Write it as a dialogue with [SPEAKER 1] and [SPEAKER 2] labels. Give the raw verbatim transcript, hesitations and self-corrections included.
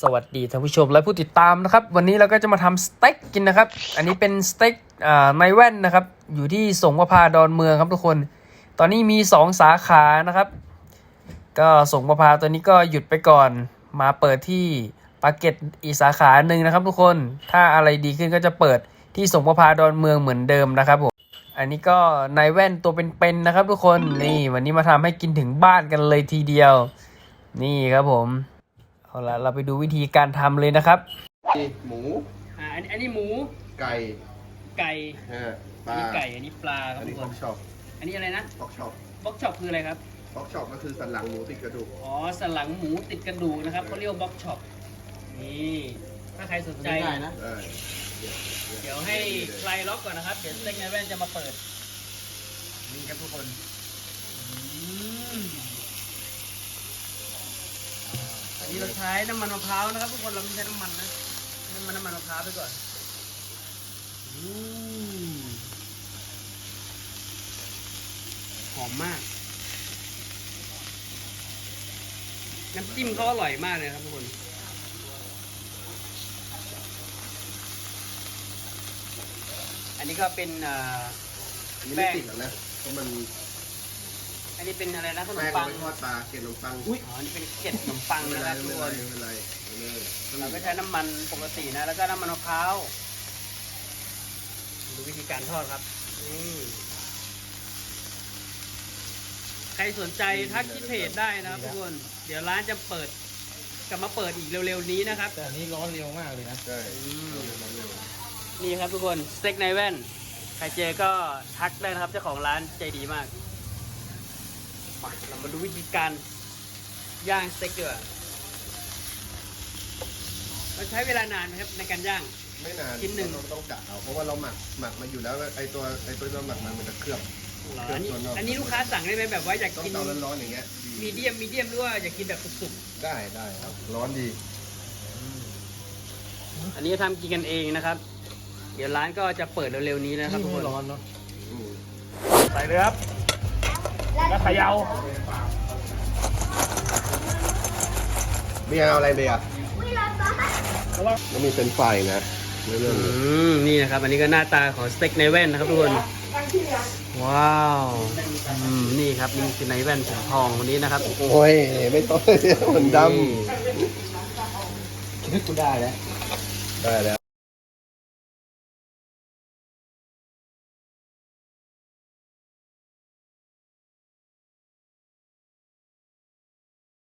[SPEAKER 1] วัสดีท่านผู้ชมและผู้ติดตามนะครับวันนี้เราก็จะมาทำสเต็กกินนะครับอันนี้เป็นสเต็กอ่าในแว่นนะครับอยู่ที่สงประพาดอนเมืองครับทุกคนตอนนี้มีสองสาขานะครับก็สงประพาตัวนี้ก็หยุดไปก่อนมาเปิดที่ปากเกร็ดอีกสาขาหนึ่งนะครับทุกคนถ้าอะไรดีขึ้นก็จะเปิดที่สงประพาดอนเมืองเหมือนเดิมนะครับผมอันนี้ก็ในแว่นตัวเป็นๆนะครับทุกคนนี่วันนี้มาทำให้กินถึงบ้านกันเลยทีเดียวนี่ครับผมเอาละเราไปดูวิธีการทำเลยนะครับ
[SPEAKER 2] หมู
[SPEAKER 1] อ่าอันนี้อันนี้หมู
[SPEAKER 2] ไก่
[SPEAKER 1] ไก่
[SPEAKER 2] ฮะป
[SPEAKER 1] อัน
[SPEAKER 2] ลา
[SPEAKER 1] นี้ไก่อันนี้ปลาครับ
[SPEAKER 2] อัน
[SPEAKER 1] ทุ
[SPEAKER 2] นี้
[SPEAKER 1] ก
[SPEAKER 2] ฟ
[SPEAKER 1] ค
[SPEAKER 2] อน กช็อป
[SPEAKER 1] อันนี้อะไรนะ
[SPEAKER 2] ฟอกช็อป
[SPEAKER 1] บ็อกช็อปคืออะไรครับ
[SPEAKER 2] ฟอกช็อปก็คือสันหลังหมูติดกระดูก
[SPEAKER 1] อ๋อสันหลังหมูติดกระดูกนะครับเขาเรียกว่าบ็อกช็อปนี่ถ้าใครสนใจ
[SPEAKER 2] ได้นะ
[SPEAKER 1] เดี๋ยวให้ใครล็อกก่อนนะครับเดี๋ยวสเต็กในแว่นจะมาเปิดนี่ครับทุกคนอืมอันนี้เราใช้น้ำมันมะพร้าวนะครับทุกคนเราไม่ใช้น้ำมันนะน้ำมันน้ำมันมะพร้าวไปก่อนอืมหอมมากน้ำจิ้มเขาอร่อยมากเลยครับทุกคนอันนี้ก็เป็นอ่า
[SPEAKER 2] อันนี้ไม่ติดหรอกนะเพราะมัน
[SPEAKER 1] อันนี้เป็นอะไรนะขนม
[SPEAKER 2] แป้ง
[SPEAKER 1] ปัง
[SPEAKER 2] ไม่ทอดปลาเกล็ดขนมปัง
[SPEAKER 1] อ๋ออันนี้เป็นเกล็ดขนมปัง
[SPEAKER 2] ไม่
[SPEAKER 1] นะ
[SPEAKER 2] เป็น
[SPEAKER 1] ค
[SPEAKER 2] ไร
[SPEAKER 1] รับทุก
[SPEAKER 2] ไม่
[SPEAKER 1] ค
[SPEAKER 2] เป็นไร
[SPEAKER 1] น
[SPEAKER 2] ไม่เป็นไรไม่เป็นไร
[SPEAKER 1] เราก็ใช้น้ำมันปกตินะแล้วก็น้ำมันมะพร้าวดูวิธีการทอดครับนี่ใครสนใจทักที่เพจได้นะครับทุกคนเดี๋ยวร้านจะเปิดกลับมาเปิดอีกเร็วๆนี้นะครับ
[SPEAKER 3] แต่อันนี้ร้อนเร็วมากเลยนะ
[SPEAKER 2] ใช่
[SPEAKER 1] นี่ครับทุกคนสเต็กในแว่นใครเจอก็ทักได้นะครับเจ้าของร้านใจดีมากมาเรามาดูวิธีการย่างสเต็กดีกว่ามันใช้เวลานานไหมครับในการย่าง
[SPEAKER 2] ไม่นาน
[SPEAKER 1] ชิ้นหนึ่ง
[SPEAKER 2] เราต้องกะเอาเพราะว่าเราหมักหมักมาอยู่แล้วไอตัวไอตัวเราหมักมันมันจะเคลือบ
[SPEAKER 1] เหรอ
[SPEAKER 2] เคลื
[SPEAKER 1] อันนี้
[SPEAKER 2] ตัวนอก
[SPEAKER 1] อันนี้ลูกค้าสั่งได้ไหมแบบว่าอยาก
[SPEAKER 2] ต้อง
[SPEAKER 1] กิน
[SPEAKER 2] เตาร้อนๆอย่างเงี้ย
[SPEAKER 1] มีเดียมมีเดียมหรือว่าอยากกินแบบสุก
[SPEAKER 2] ได้ได้ครับร้อนดี
[SPEAKER 1] ๆอันนี้ทำกินกันเองนะครับ เดี๋ยวร้านก็จะเปิดเร็วๆนี้นะครับทุกคน
[SPEAKER 3] ร้อนเนาะ
[SPEAKER 2] อืม
[SPEAKER 3] ใส่เลยครับแล้วเขย่า
[SPEAKER 2] เบียร์เอาอะไรเบียร์แล้วมีเป็นไฟนะไม่เรื่อง
[SPEAKER 1] อื
[SPEAKER 2] เลย
[SPEAKER 1] มนี่นะครับ อันนี้ก็หน้าตาของสเต็กในแว่นนะครับทุกคนว้าวอืมนี่ครับนี่คือในแว่นสีทองวันนี้นะครับ
[SPEAKER 2] โอ้ยไม่ต้องมันด
[SPEAKER 1] นี่
[SPEAKER 3] คิดกูได้แล้ว
[SPEAKER 2] ำได้แล้ว